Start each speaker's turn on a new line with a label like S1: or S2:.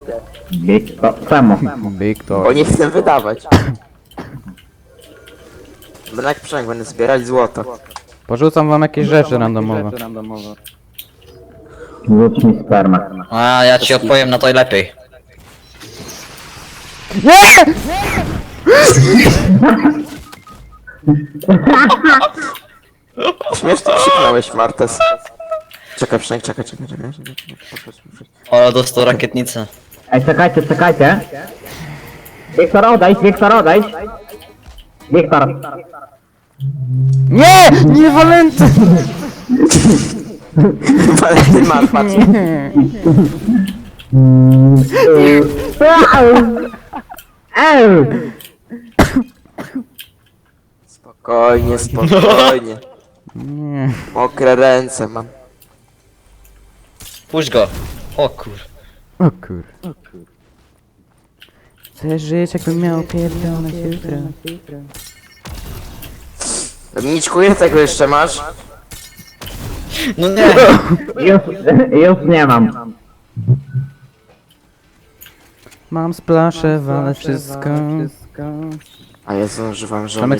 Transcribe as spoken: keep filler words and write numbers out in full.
S1: Big to. Czemu?
S2: Big to.
S3: Bo nie chcę wydawać. Będę jak przynajmniej będę zbierać złoto.
S2: Porzucam wam jakieś rzeczy randomowe.
S1: Rzuć mi spermę.
S4: A ja ci odpowiem na to lepiej.
S3: Śmiesznie krzyknąłeś, Martes. Czekaj, przynajmniej, czekaj, czekaj, czekaj. czekaj, czekaj. Popatrz, popatrz.
S4: O, dostał rakietnicę.
S1: Ej, czekajcie, czekajcie. Wiktor, odejdź, Wiktor, odejdź. Wiktor.
S2: Nie! Nie Walenty!
S3: Walentyn masz, patrz.
S1: Eee!
S3: Spokojnie, spokojnie.
S2: Nie.
S3: Mokre ręce mam.
S4: Puść go. O kur...
S2: O kur... Chcę żyć jakbym miał pierdolone jutro.
S3: Dominiczku, ile tego jeszcze masz?
S4: No nie!
S1: Już, już nie mam.
S2: Mam splasze, walę wszystko.
S3: A ja zużywam żony.